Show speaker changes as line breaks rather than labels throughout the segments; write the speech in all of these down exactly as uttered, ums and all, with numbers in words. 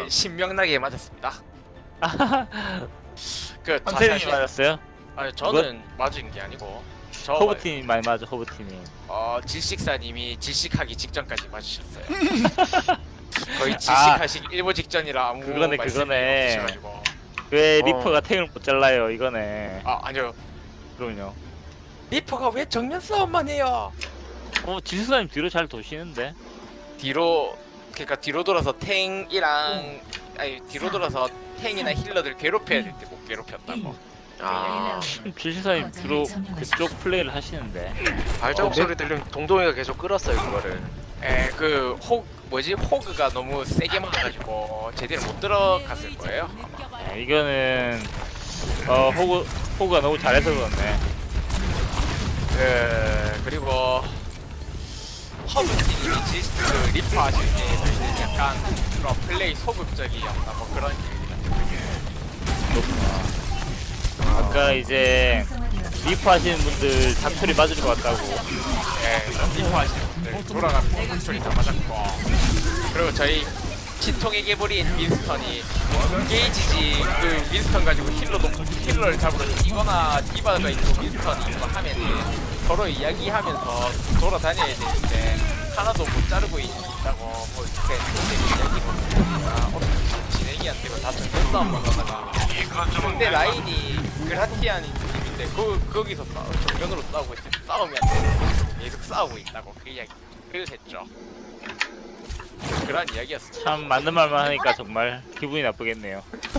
네, 신명나게 맞았습니다. 그
선생님이
자세히
맞았어요?
아니 저는 맞은 게 아니고 저
허브팀이 많이 맞아. 허브팀이.
어 질식사님이 질식하기 직전까지 맞으셨어요. 거의 질식하시기 일보 직전이라 아무
그거네,
말씀이
그거네.
없으셔가지고.
왜
어.
리퍼가 탱을 못 잘라요? 이거네.
아 아니요.
그럼요.
리퍼가 왜 정면 싸움만 해요?
어 지수사님 뒤로 잘 도시는데.
뒤로 그러니까 뒤로 돌아서 탱이랑 아니 뒤로 돌아서 탱이나 힐러들 괴롭혀야 될 때 못 괴롭혔다고.
아,
지수사님 뒤로 그쪽 플레이를 하시는데.
발자국 소리 들리면 동동이가 계속 끌었어요 그거를.
에그호 뭐지 호그가 너무 세게 맞아가지고 제대로 못 들어갔을 거예요. 아마.
네, 이거는 어 호그 호그가 너무 잘해서 그렇네.
그 그리고 허브님이 지스트 리퍼 하실 때 약간 그런 플레이 소극적이었다 뭐 그런 얘기가.
그렇구나. 아까 이제 리퍼 하시는 분들 닭소리 맞을 것 같다고.
예, 리퍼 하시는 분들 돌아가면 소리 다 맞았고 그리고 저희 치통에게 버린 윈스턴이 게이지지 그 윈스턴 가지고 힐러도 힐러를 잡으러 이거나 디바가 있고 윈스턴이 이거 하면은 서로 이야기하면서 돌아다녀야 되는데 하나도 못 자르고 있다고 뭐 이렇게 이야기로 아, 어떻게 진행이 안 되고 다 정면 싸움만 하다가 근데 라인이 그라티안 팀인데 그 거기서 싸 정면으로 싸우고 있지 싸움이 안 되고 계속 싸우고 있다고 그 이야기 를 했죠. 그런 이야기였어.
참 맞는 말만 하니까 정말 기분이 나쁘겠네요.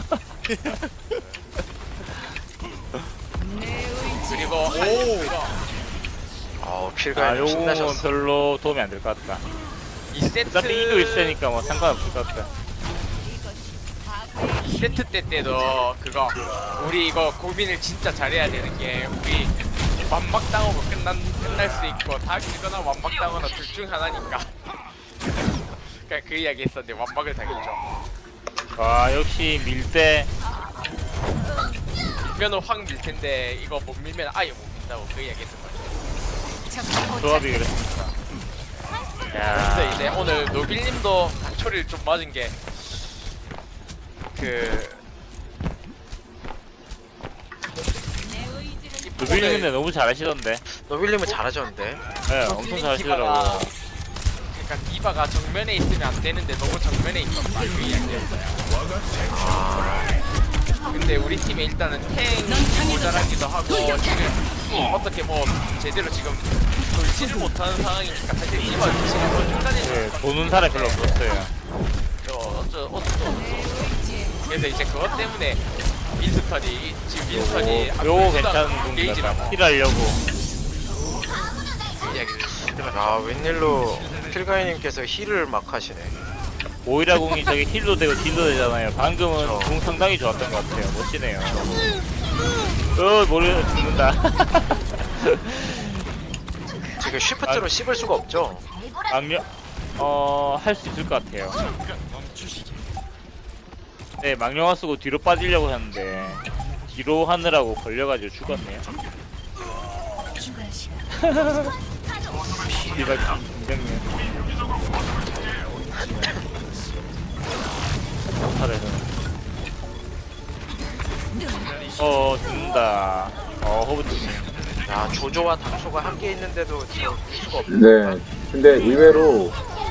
그리고 오
아우
아
필가님
요건
신나셨어.
별로 도움이 안 될 것 같다.
이 세트
어차피 이기고 있으니까 뭐 상관없을 것 같다.
이 세트 때 때도 그거 우리 이거 고민을 진짜 잘해야 되는 게 우리 완막 당하고 끝난 끝날 수 있고 다 길거나 완막 당하거나 둘 중 하나니까. 그러니까 그 이야기 했었는데 완막을 당했죠.
와 역시 밀대.
밀면은 확 밀 텐데 이거 못 밀면 아예 못 민다고 그 이야기 했었거든요.
조합이 그랬습니다.
그래서
야
이제 오늘 노빌님도 초리를 좀 맞은 게 그
노빌님 근데 너무 잘하시던데.
노빌님은 잘하셨는데.
네 엄청 잘하시더라고.
그러니까 디바가 정면에 있으면 안 되는데 너무 정면에 있었다 그 이야기였어요. 근데 우리 팀에 일단은 탱이 모자라기도 하고 지금 어떻게 뭐 제대로 지금 돌지를 못하는 상황이니까 사실 디바 지금 중간에
네, 도는 사람이 별로 없었어요.
어쩌 어쩌 그래서 이제 그것 때문에 윈스턴이 지금 윈스턴이
요거, 요거 괜찮은 분이다. 힐하려고.
그 이야기를
아 웬일로 필가님께서 힐을 막 하시네.
오이라 공이 저기 힐도 되고 딜도 되잖아요. 방금은
그쵸.
공 상당히 좋았던 것 같아요. 멋지네요. 어 모르 죽는다.
지금 쉬프트로 씹을 수가 없죠.
망령 어할 수 있을 것 같아요. 네 망령화 쓰고 뒤로 빠지려고 했는데 뒤로 하느라고 걸려가지고 죽었네요. 이발 굉장히 어 죽는다. 어 호브팀.
야 조조와 닥초가 함께 있는데도 지금 볼 수가 없네.
네. 근데 의외로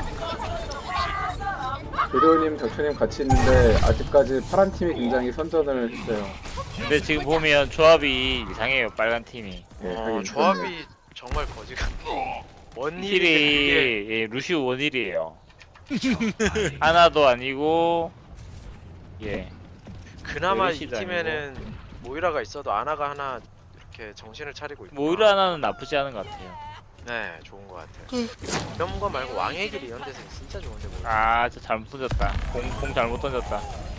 조조님, 덕초님 같이 있는데 아직까지 파란 팀이 굉장히 선전을 했어요.
근데 지금 보면 조합이 이상해요. 빨간 팀이.
네,
어,
하긴
조합이 정말 거지 같네. 원힐이
힐이 예, 루시우 원힐이에요. 하나도 아니고 예.
그나마 이
메르시도
팀에는 모이라가 있어도 아나가 하나 이렇게 정신을 차리고 있고.
모이라 하나는 나쁘지 않은 것 같아요.
네, 좋은 것 같아요. 이런 거 말고 왕의 길 이런 데서 진짜 좋은데 뭐.
아, 진짜 잘못 던졌다. 공, 공 잘못 던졌다.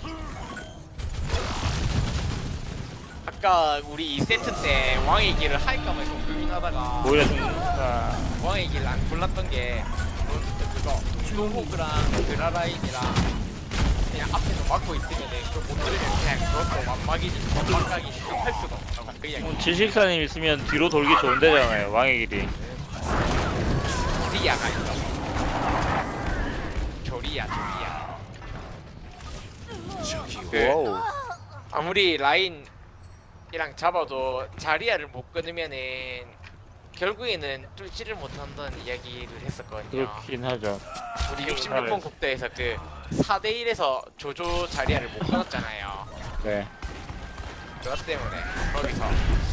아까 우리 이 세트 때 왕의 길을 할까 말까 고민하다가
모이라 죽는다.
왕의 길을 안 골랐던 게 그거 노호그랑 그라라인이랑 그냥 앞에서 막고 있으면 그걸 못 들으면 그냥 그것도 완막이지 완막하기 할 수가 없다고 그 이야기.
음, 질식사님 있으면 뒤로 돌기 좋은 데잖아요. 왕의 길이.
조리아가 있어. 조리아 조리아. 그
와우.
아무리 라인이랑 잡아도 자리아를 못 끊으면은 결국에는 뚫지를 못한다는 이야기를 했었거든요.
그렇긴 하죠.
우리 육십육 번 국대에서 그 사 대 일에서 조조 자리아를 못 끊었잖아요.
네.
그것 때문에 거기서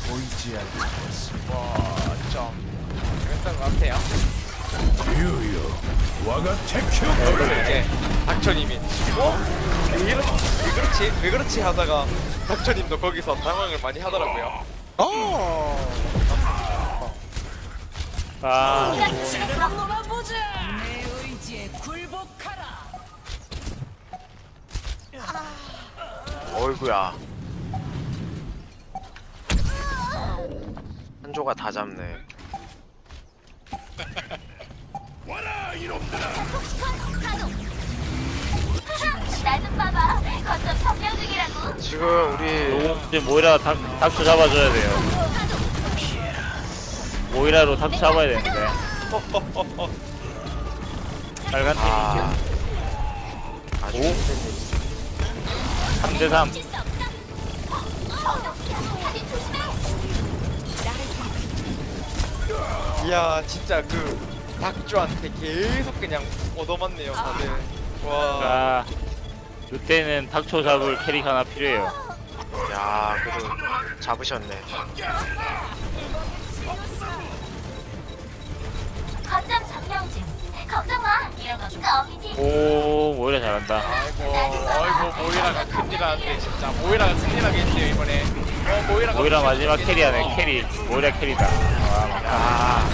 뭐좀 그랬던 것 같아요. 그래서 이제 닥쳐님이 어? 왜, 이러, 왜 그렇지? 왜 그렇지? 하다가 닥쳐님도 거기서 당황을 많이 하더라고요.
아,
내 의지에 굴복하라.
어이구야. 한조가 다 잡네.
나좀 봐봐. 거점 점령 중이라고.
지금 우리
요거 이제 모이라 닥, 닥쳐 잡아줘야 돼요. 모이라로 닥쳐 잡아야 되는데. 빨간 팀
아 아주
오?
힘든 일.
삼 대 삼.
이야 진짜 그 박주한테 계속 그냥 얻어맞네요 다들. 와.
자, 이때는 닥쳐 잡을 캐릭 하나 필요해요.
야 그래도 잡으셨네.
거점 점령 중. 걱정 마. 이런 건 껌이지.
오, 모이라 잘한다.
아이고 아이고 모이라가 큰일 나는데 진짜 모이라가 큰일 나겠네요 이번에. 어 모이라가
모이라
큰일
마지막
나겠네요.
캐리하네. 캐리. 모이라 캐리다. 와, 막.
야.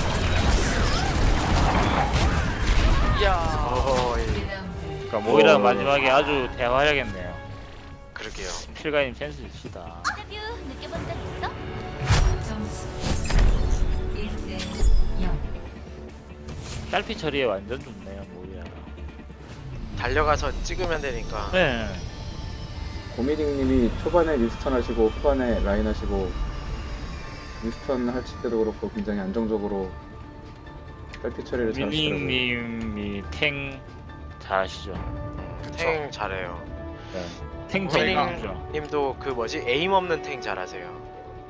이야.
어허이.
그러니까 모이라 마지막에 아주 대화하겠네요.
그러게요.
필가님 센스 있으시다.
데뷔 느껴본 적 있어?
점수 일 대 영.
딸피 처리에 완전 좋네요, 모이라가.
달려가서 찍으면 되니까.
네.
고미딩님이 초반에 윈스턴 하시고 후반에 라인 하시고 윈스턴 하실 때도 그렇고 굉장히 안정적으로 딸피 처리를 잘하시더라고요.
미닝님이 탱 잘하시죠.
탱 잘해요.
네. 탱
저희가-
잘하시죠.
님도 그 뭐지 에임 없는 탱 잘하세요.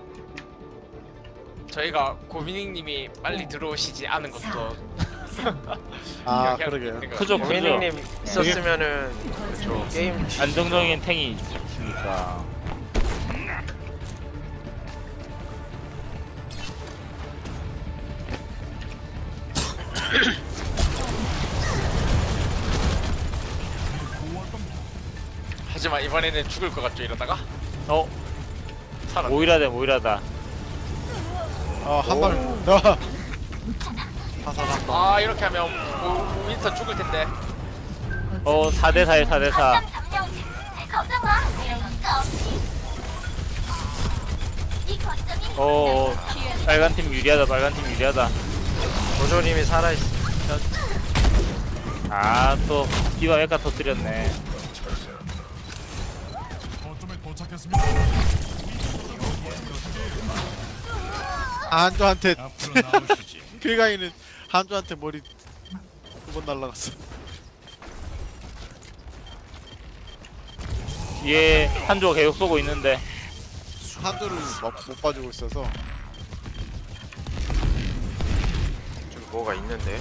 저희가 고민익님이 빨리 들어오시지 않은 것도
아
이야기할 수
그러게요.
있는 것
크죠, 크죠.
고민님 있었으면은 그쵸 게임
안정적인 탱이 있으니까.
하지만 이번에는 죽을 것 같죠 이러다가
어,
살아.
모이라다, 모이라다.
아한 발. 아. 하사한다.
아 이렇게 하면 오- 윈스턴 죽을 텐데.
어, 사 대 사에 사 대 사.
거점 점령 중. 걱정 마. 이런 건 껌이지. 이 거점이
어, 어, 빨간 팀 유리하다, 빨간 팀 유리하다.
조조님이 살아있어.
아, 또 디바 메카 터뜨렸네.
한조한테 필가이는 한조한테 머리 두 번 날라갔어.
뒤에 한조가 계속 쏘고 있는데.
한조를 못, 못 봐주고 있어서.
좀 뭐가 있는데.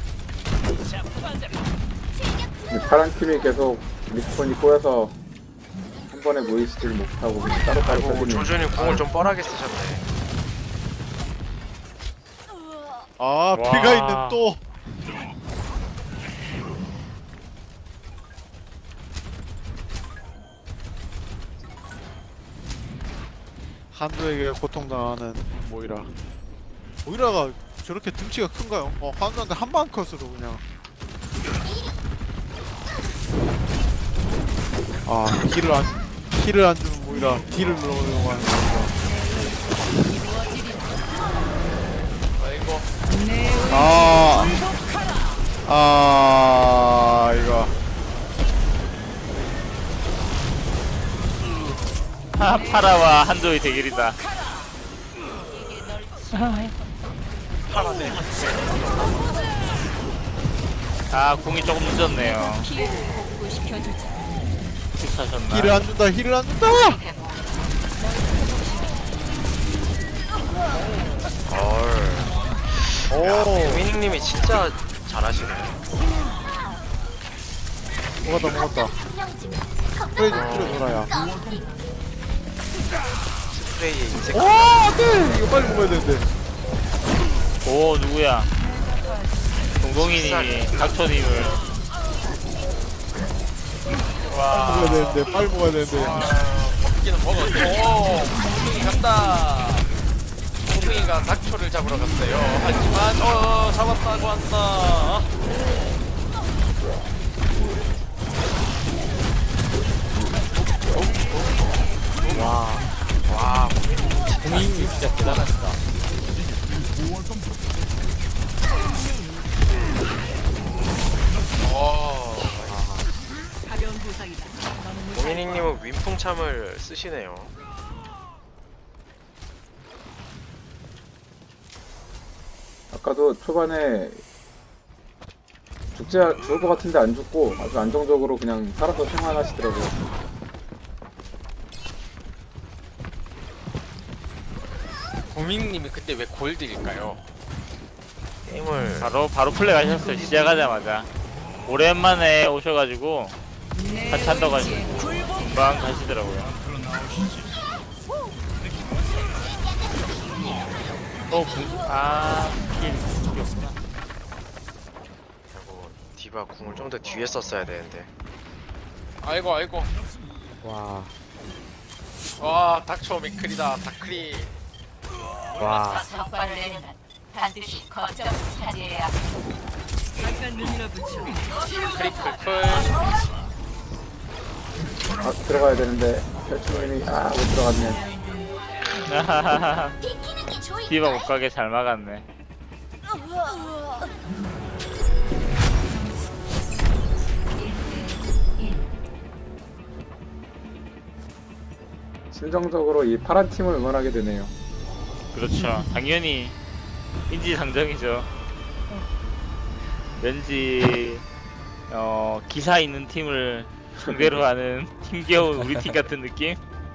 근데 파란 팀이 계속 리스폰이 꼬여서 한 번에 모이지를 못하고 그냥 따로따로
아이고
떨리는.
조조님 공을 좀 뻘하게 쓰셨네.
아
와.
필가이는 또. 한조에게 고통당하는 모이라. 모이라가 저렇게 등치가 큰가요? 어 한조한테 한방 컷으로 그냥. 아 힐을 안 힐을 안 주는 모이라 딜을 넣으려고 하는 모이라.
아이고
내 의지에
아,
굴복하라.
아 이거
하, 파라와 한조의 대결이다. 아, 공이 조금 늦었네요.
피해를 복구시켜주자.
하셨나?
힐을 안 준다 힐을 안 준다.
얼.
오
위닝님이 진짜 잘하시네.
먹었다 먹었다.
점령 중.
프레이 좀 줄여줘라야.
스프레이의 인생.
오 안돼 이거 빨리 먹어야 되는데.
오 누구야? 동동이님이 닥쳐님을 와
먹어야 되는데 빨리 먹어야 되는데.
먹기는 먹었는데 오 콩콩이 간다. 콩콩이가 닥초를 잡으러 갔어요. 하지만 어 잡았다고 한다.
와.
동인이 진짜 대단하시다.
어. 고민희님은 윈풍참을 쓰시네요.
아까도 초반에 죽지 않- 죽을 것 같은데 안 죽고 아주 안정적으로 그냥 살아서 생활하시더라고요.
고민님이 그때 왜 골드일까요?
게임을
바로 바로 플레이 하셨어요. 시작하자마자 오랜만에 오셔가지고 같이 한다고 하시고 금방 가시더라고요. 또 공, 아, 킬, 이겼구나.
그리고 디바 궁을 좀 더 뒤에 썼어야 되는데.
아이고 아이고.
와,
와 닥초 맥클이다 닥크리.
와.
적발 내면 반드시 거점 차지해야. 잠깐 눈이나 붙여.
크리클풀.
아 들어가야 되는데 펼치님이 아 못 들어갔네.
비키는 게 좋을
디바 못 가게 잘 막았네.
심정적으로 이 파란 팀을 응원하게 되네요.
그렇죠. 당연히 인지상정이죠. 왠지 어 기사 있는 팀을 상대로 하는 힘겨운 우리 팀 같은 느낌?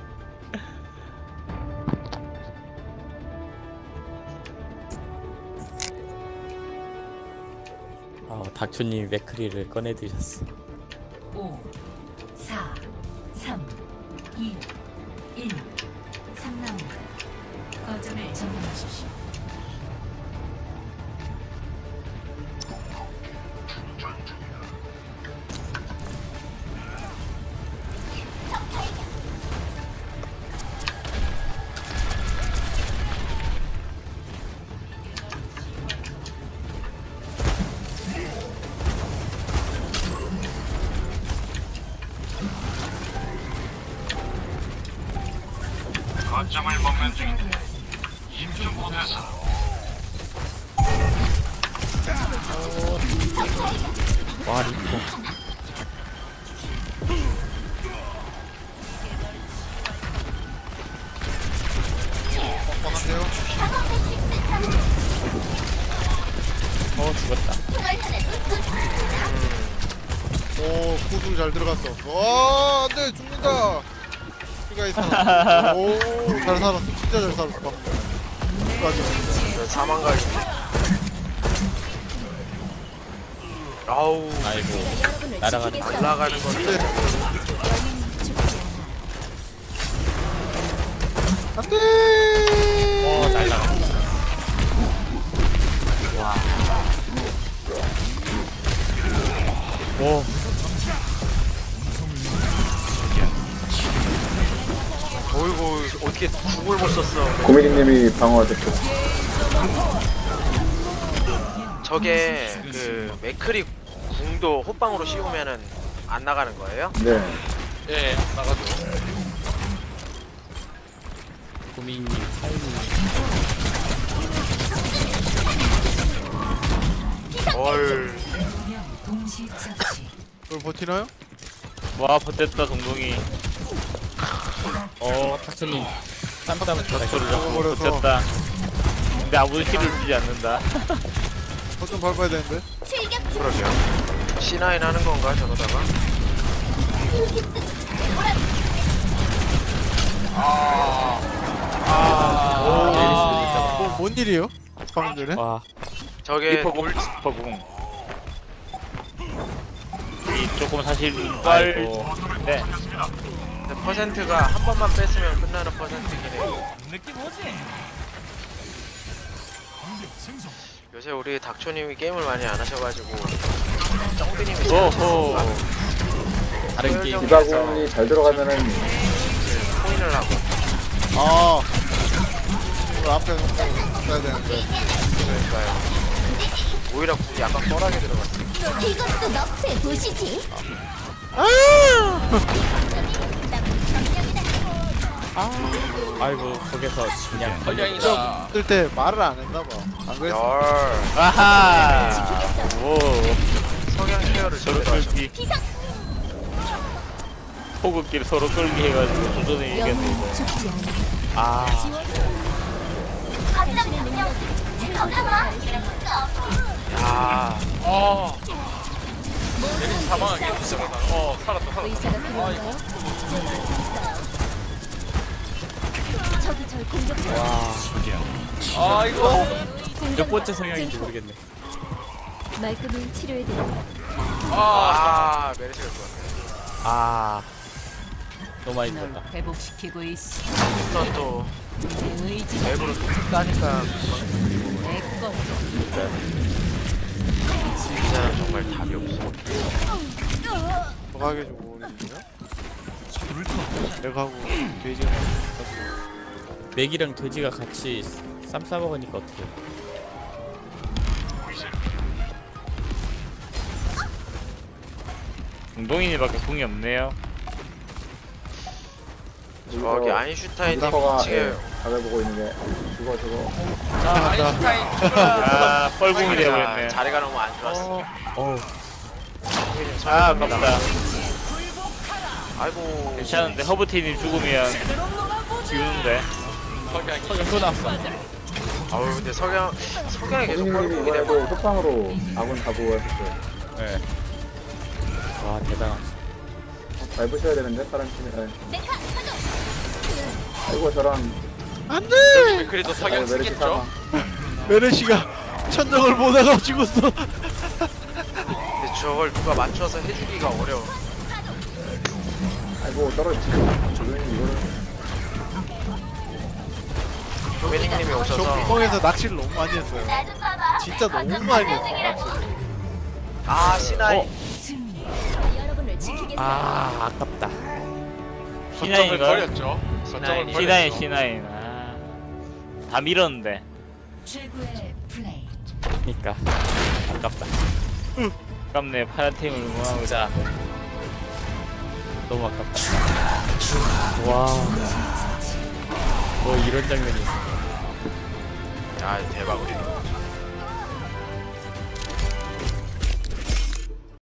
아, 닥초님이 맥크리를 꺼내 드셨어.
오, 사, 삼, 이, 일. 삼 라운드. 거점을 점령하십시오.
와, 리포.
뻔한데요?
어 죽었다.
오 구슬 잘 들어갔어. 와 안돼 죽는다. 피가 있어. 오잘 살았어 진짜 잘 살았어. 끝까지.
이건 사망각인데. 아우.
아이고, 날아가는 거.
날아가는 건데.
안돼.
어 날라가.
오
어이구 어떻게 궁을 못 썼어.
고민희님이 방어가 됐고.
저게 그 맥크리 궁도 호빵으로 씌우면은 안 나가는 거예요?
네.
예 나가죠.
고민님 타이밍.
얼.
동시 처치.
이걸 버티나요?
와 버텼다 동동이.
어, 닥초님. 쌈쌈
소리
닥쳐.
잡고
버려서.
버텼다. 근데 아무도 힐을 주지 않는다.
버튼 밟아야 되는데.
그러게요. 씨 나인 하는 건가 저러다가?
뭔 일이에요? 방금 전에?
와
저게
리퍼공 리퍼공 이 조금 사실 빨
아이고
네.
퍼센트가 한 번만 뺐으면 끝나는 퍼센트긴 해요. 요새 우리 닥초님이 게임을 많이 안 하셔가지고 쩡비님이
오호
다른 게임
디바공이 잘 들어가면은
코인을 하고
아 이걸 앞에 놓고 써야 되는데
그러니까요. 오히려 궁이 약간 뻘하게 들어갔어요.
이것도 너프에 보시지.
아이고 거기서 그냥
헐량이다.
쓸 때 말을 안 했나봐 안 그랬어?
열
아하 오
성향 케어를
서로
제대로 하셔.
끌기 호흡기를 서로 끌기 해가지고 도전을 이겼네 이거
죽지 않아.
아
거점 점령진. 걱정 마. 이런 것도 없어.
야
어. 얘는 사망하게 저러다. 어 살았다 살았다.
의사가 필요한가요? 제가 있어요. 저기 절 공격해요.
아 이거.
몇 번째 성향인지 모르겠네.
말끔히 치료해드려요.
아.
아 메르시가 좋았네.
아 너무 많이 들었다.
회복시키고 있어.
일단 또
내 의지
앱으로 따니까
내 것.
진짜 정말 답이 없어.
정하게 좀 오는데요? 내가 하고 돼지가
맥이랑 돼지가 같이 쌈 싸 먹으니까 어떡해.
웅동이니밖에 궁이 없네요
저기 아인슈타인님
리퍼가
지금
예, 각을 보고 있는 게 죽어 죽어.
자 아인슈타인.
아 뻘궁이 되어버렸네
자리가 너무 안 좋았어.
어우
아 아깝다
아이고
괜찮은데 허브티님 죽으면 지우는데
헐량이.
성향 또 나왔어.
아우 근데 석양 석양이 계속
고객님이
뻘궁이
이번에도
되면
호빵으로 아군 다 보호했었어요.
네. 와 대단하다.
밟으셔야 되는데 다른 팀에. 예. 아이고 저런.
안돼!
그래도
아이고,
성향
메르시
쓰겠죠.
사망.
메르시가 천정을 보다가 죽었어
근데 저걸 누가 맞춰서 해주기가 어려워.
아이고 떨어지고. 고객님 이거를.
조배님님이
저
오셔서
구멍에서 낚시를 너무 많이 했어요
나좀 봐봐.
진짜 너무 많이 했어 낚시를
아 시나이
어?
여러분을 지키겠어요.
아 아깝다.
거점을
시나인가?
버렸죠. 거점을
시나인
버렸죠.
시나인 아다 밀었는데
최고의 플레이.
그니까 아깝다.
아깝네 파란 팀을 응원하고
진짜 너무 아깝다. 와. 뭐 이런 장면이 있어.
아 대박 우리